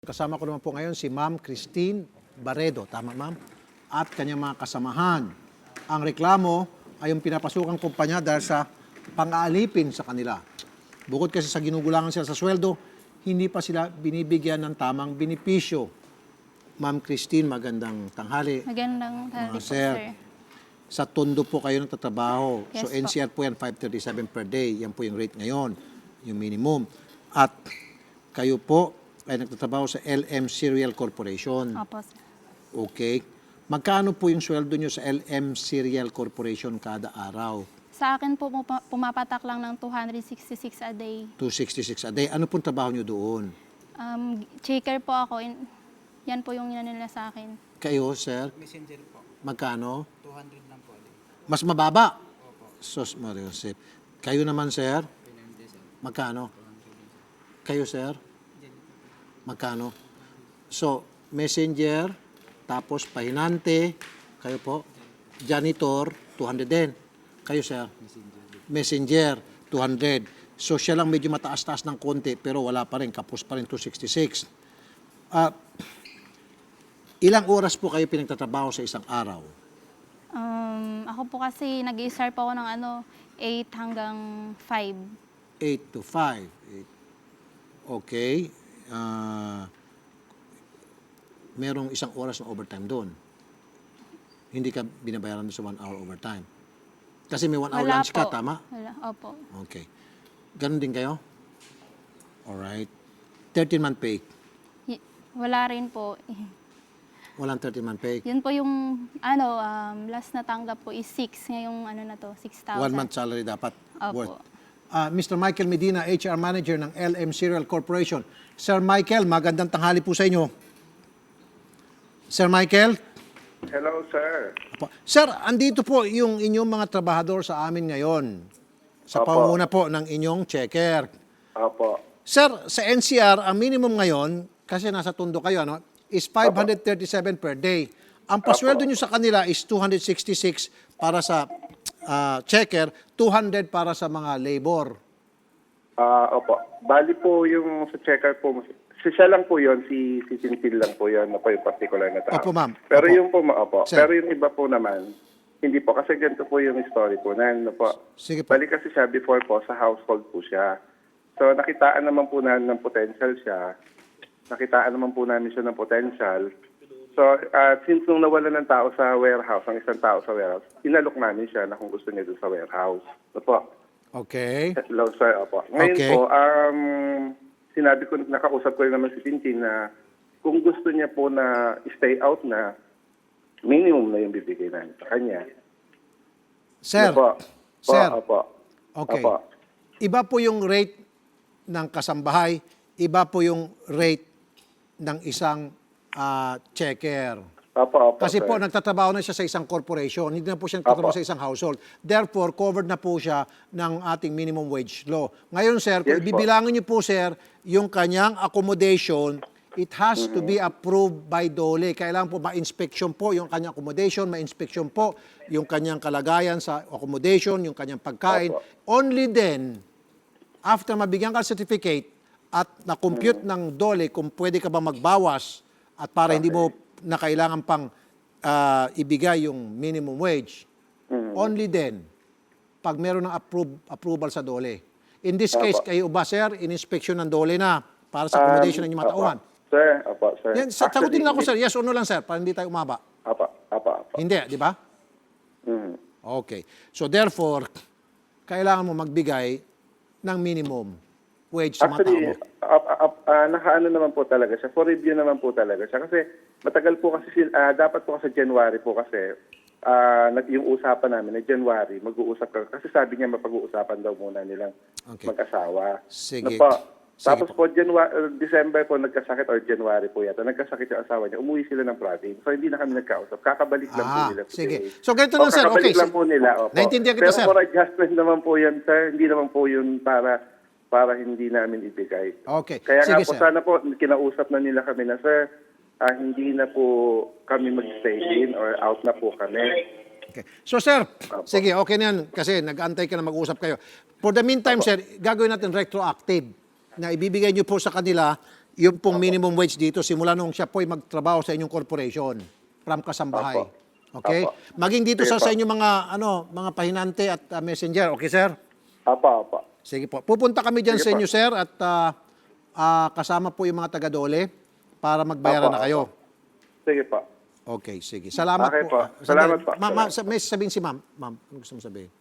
Kasama ko naman po ngayon si Ma'am Christine Barredo, tama ma'am? At kanyang mga kasamahan. Ang reklamo ay yung pinapasukang kumpanya dahil sa pang-aalipin sa kanila. Bukod kasi sa ginugulangan sila sa sweldo, hindi pa sila binibigyan ng tamang benepisyo. Ma'am Christine, magandang tanghali. Magandang tanghali po, Sir. sir. Sa Tondo po kayo nagtatrabaho. Yes So po. NCR po yan, 537 per day. Yan po yung rate ngayon, yung minimum. At kayo po ay nagtatrabaho sa LM Cereal Corporation. Opo, sir. Okay. Magkano po yung sweldo nyo sa LM Cereal Corporation kada araw? Sa akin po pumapatak lang ng 266 a day. 266 a day. Ano pong trabaho nyo doon? Checker po ako. Yan po yung nila sa akin. Kayo, sir? Messenger po. Magkano? 200 lang po. Mas mababa? Opo. Sos Mario Josep. Kayo naman, sir? Magkano? Kayo, sir? Magkano? So, messenger, tapos pahinante, kayo po, janitor, 200 din. Kayo, sir? Messenger, 200. So, siya lang medyo mataas-taas ng konti, pero wala pa rin, kapos pa rin, 266. Ilang oras po kayo pinagtatrabaho sa isang araw? Ako po kasi nag-i-start po ako ng 8 hanggang 5. 8 to 5. Okay. Merong isang oras na overtime doon. Hindi ka binabayaran sa 1 hour overtime. Kasi may 1 hour Wala lunch ka, po. tama? Wala. Opo. Okay. Ganon din kayo? Alright. 13-month pay. Wala rin po. Walang 13-month pay. Yun po yung last na tanggap po is 6. Ngayong na to, 6,000. 1 month salary dapat Opo. worth. Mr. Michael Medina, HR Manager ng LM Cereal Corporation. Sir Michael, magandang tanghali po sa inyo. Sir Michael? Hello, sir. Apo. Sir, andito po yung inyong mga trabahador sa amin ngayon. Sa Apo. pangunguna po ng inyong checker. Opo. Sir, sa NCR, ang minimum ngayon, kasi nasa Tondo kayo, is 537 per day. Ang pasweldo nyo sa kanila is 266 para sa checker, 200 para sa mga labor. Opo. Bali po yung sa checker po, siya lang po yon, si Tintin lang po yon, na po yung particular na tao. Opo, ma'am. Pero Opo. yung po, opo. Sir. Pero yung iba po naman, hindi po. Kasi ganito po yung story po na, po. Sige po. Bali kasi siya before po, sa household po siya. So, nakitaan naman po namin ng potential siya. Nakitaan naman po namin siya ng potential. So, since nung nawala ng tao sa warehouse, ang isang tao sa warehouse, inalok namin siya na kung gusto niya doon sa warehouse. So po. Okay. Hello, sir. Opo. Ngayon Okay. po, sinabi ko, nakausap ko rin naman si Tintin na kung gusto niya po na stay out na, minimum na yung bibigay namin sa kanya. Sir, Opo. sir, Opo. okay. Opo. Iba po yung rate ng kasambahay, iba po yung rate ng isang checker. Opo, Kasi sir. po, nagtatrabaho na siya sa isang corporation, hindi na po siya nagtatrabaho Opo. sa isang household. Therefore, covered na po siya ng ating minimum wage law. Ngayon, sir, kung Yes po. ibibilangin niyo po, sir, yung kanyang accommodation, it has to be approved by DOLE. Kailangan po ma-inspection po yung kanyang accommodation, ma-inspection po yung kanyang kalagayan sa accommodation, yung kanyang pagkain. Opo. Only then, after mabigyan ka ng certificate at na-compute ng DOLE kung pwede ka ba magbawas at para hindi mo na kailangan pang ibigay yung minimum wage, only then, pag meron ng approval sa DOLE. In this case, Opo. kayo ba, sir, in-inspection ng DOLE na para sa accommodation ng inyong mga Opo. tauhan? Sir, opo, sir. Yan, sagutin lang ako, sir. Yes or no lang, sir, para hindi tayo umaba. Opo, opo, opo. Hindi, di ba? Mm. Okay. So therefore, kailangan mo magbigay ng minimum wage sa mga tao Actually, mo. nakaano naman po talaga siya. For review naman po talaga siya. Kasi matagal po kasi, dapat po kasi January po kasi, yung usapan namin na January, mag-uusap ka. Kasi sabi niya mapag-uusapan daw muna nilang Okay. mag-asawa. Sige. Ano po? Sige Tapos po, December po nagkasakit or January po yata, nagkasakit yung asawa niya, umuwi sila ng province. So hindi na kami nagkausap. Kakabalik lang po nila. Sige. today. So ganito lang, sir. Kakabalik Okay. lang po nila. Opo. Naintindihan kita, Pero sir. for adjustment naman po yan, sir. Hindi naman po yun para hindi namin ibigay. Okay. Kaya Sige, nga po, sir. sana po, kinausap na nila kami na, sir, hindi na po kami mag-stay in or out na po kami. Okay. So, sir, sige, okay na yan kasi nag-antay ka na mag-usap kayo. For the meantime, sir, gagawin natin retroactive na ibibigay niyo po sa kanila yung pong minimum wage dito, simula nung siya po'y magtrabaho sa inyong corporation, from Kasambahay. Opo. Okay? Opo. Maging dito Sige sa po. inyong mga pahinante at messenger. Okay, sir? Apa. Sige po. Pupunta kami dyan Sige sa po. inyo, sir, at kasama po yung mga taga-dole para magbayaran Opo, na kayo. Sige po. Okay, sige. Salamat Okay po. Sandali. Salamat po. May sabihin si ma'am. Ma'am, ano gusto mo sabihin?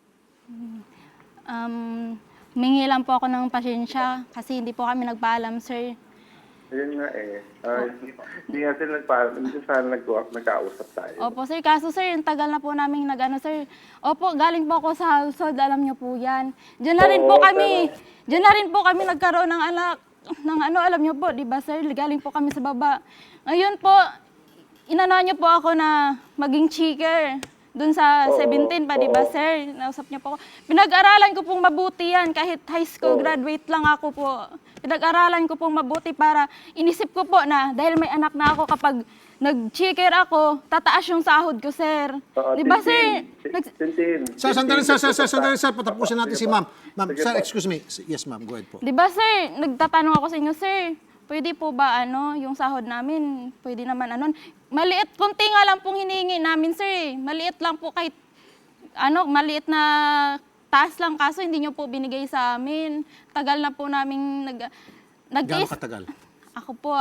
Mingi lang po ako ng pasensya kasi hindi po kami nagpaalam, sir. Yun nga eh. Hindi nga sila hindi sana nagkausap tayo. Opo, sir. Kaso, sir, yung tagal na po namin nag-ano, sir. Opo, galing po ako sa household. Alam niyo po yan. Diyan na rin po kami. Diyan na rin po kami nagkaroon ng anak. Alam niyo po, di ba, sir? Galing po kami sa baba. Ngayon po, inano niyo po ako na maging cheater. Doon sa 17 pa, di ba, sir? Nausap niyo po ako. Pinag-aralan ko pong mabuti yan. Kahit high school graduate lang ako po. Pinag-aralan ko pong mabuti para inisip ko po na dahil may anak na ako, kapag nag-cheater ako, tataas yung sahod ko, sir. Di ba, sir? Sandali, sir. Patapusin natin si ma'am. Ma'am, sir, excuse me. Yes, ma'am. Go ahead po. Di ba, sir? Nagtatanong ako sa inyo, sir. Pwede po ba yung sahod namin? Pwede naman maliit, konti nga lang pong hinihingi namin, sir. Maliit lang po kahit maliit na taas lang, kaso hindi nyo po binigay sa amin. Tagal na po namin Gaano katagal? Ako po,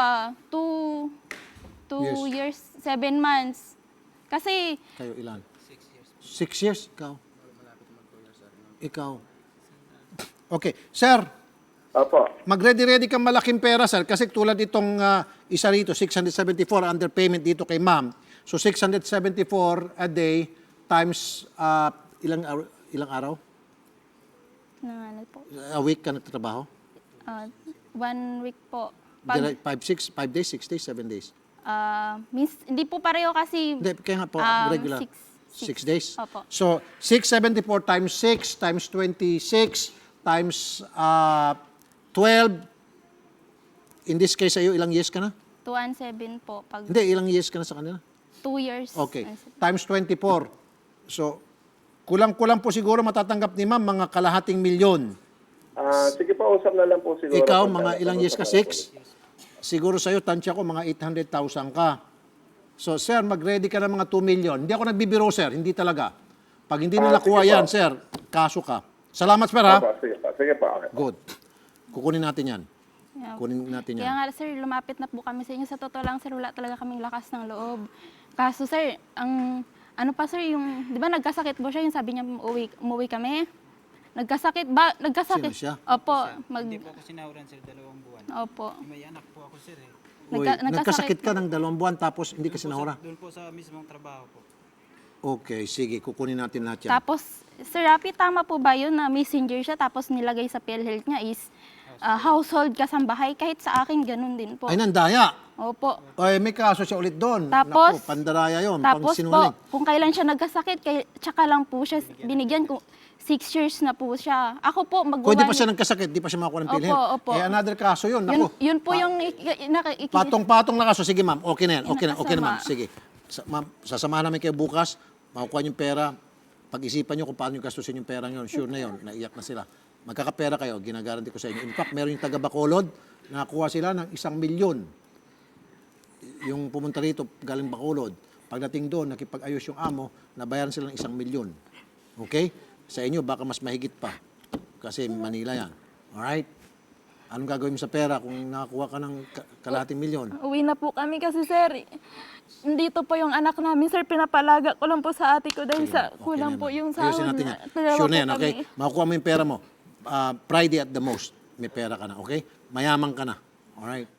2 years, 7 months. Kasi, Kayo ilan? 6 years. Ikaw. Okay. Sir, Opo. mag-ready kang malaking pera, sir. Kasi tulad itong isa rito, 674 underpayment dito kay ma'am. So 674 a day times ilang araw? po, A week ka nagtatrabaho? 1 week po. 5 days, 6 days, 7 days? Hindi po pareho kasi Hindi, kaya nga po, regular. 6 days? Opo. So, 674 times 6 times 26 times 12. In this case, sa'yo, ilang years ka na? 2 and 7 po. Pag Hindi, ilang years ka na sa kanila? 2 years. Okay. Times 24. So, kulang-kulang po siguro matatanggap ni ma'am mga kalahating milyon. Sige po, usap na lang po siguro. Ikaw, mga ilang years ka? 6? Siguro sa'yo, tansya ko, mga 800,000 ka. So, sir, mag-ready ka ng mga 2 million. Hindi ako nagbibiro, sir. Hindi talaga. Pag hindi nila kuha sige yan, po. sir, kaso ka. Salamat, sir, ha? Sige po. Okay. Good. Kukunin natin yan. Yeah. Kunin natin Kaya yan. nga, sir, lumapit na po kami sa inyo. Sa totoo lang, sir, wala talaga kaming lakas ng loob. Kaso, sir, sir, yung, di ba nagkasakit po siya, yung sabi niya, umuwi kami. Nagkasakit. Sino siya? Opo. Hindi po ako sinahuran, sir, 2 buwan. Opo. May anak po ako, sir, eh. Uy, nagkasakit ka ng 2 buwan tapos hindi ka sinahura. Doon po sa mismong trabaho po. Okay, sige. Kukunin natin lahat yan. Tapos, Sir Rapi, tama po ba yun na messenger siya tapos nilagay sa PhilHealth niya is household kasambahay? Kahit sa akin, ganun din po. Ay, nandaya. Opo. Ay, may kaso siya ulit doon. Tapos, Naku, pandaraya yun. Tapos po, Pangsinungaling. kung kailan siya nagkasakit, tsaka lang po siya binigyan ko. 6 years na po siya. Ako po, Kung di pa siya nagkasakit, di pa siya makakuha ng PhilHealth. Opo. Eh, another kaso yun. Yun, Naku, yun po yung patong-patong na kaso. Sige, ma'am. Okay na yan. Okay na Nakasama. ma'am. Sige. Ma'am, sasamahan namin kayo bukas. Makukuha yung pera. Pag-isipan nyo kung paano yung gastusin yung pera nyo. Sure na yun. Naiyak na sila. Magkakapera kayo. Ginagaranti ko sa inyo. In fact, meron yung taga Bacolod. Nakakuha sila ng 1 milyon. Yung pumunta rito, galing Bacolod. Pagdating doon, nakipag-ayos yung amo, nabayaran sila ng 1 milyon. Okay? Sa inyo, baka mas mahigit pa. Kasi Manila yan. Alright? Anong gagawin mo sa pera kung nakakuha ka ng kalahating milyon? Uwi na po kami kasi, sir, dito po yung anak namin, sir. Pinapalaga ko lang po sa ate ko dahil sa Okay kulang na po yan. yung Ayusin sahod natin na. yan. Dalawa Sure na po yan, okay? kami. Makukuha mo yung pera mo. Friday at the most, may pera ka na, okay? Mayaman ka na. Alright?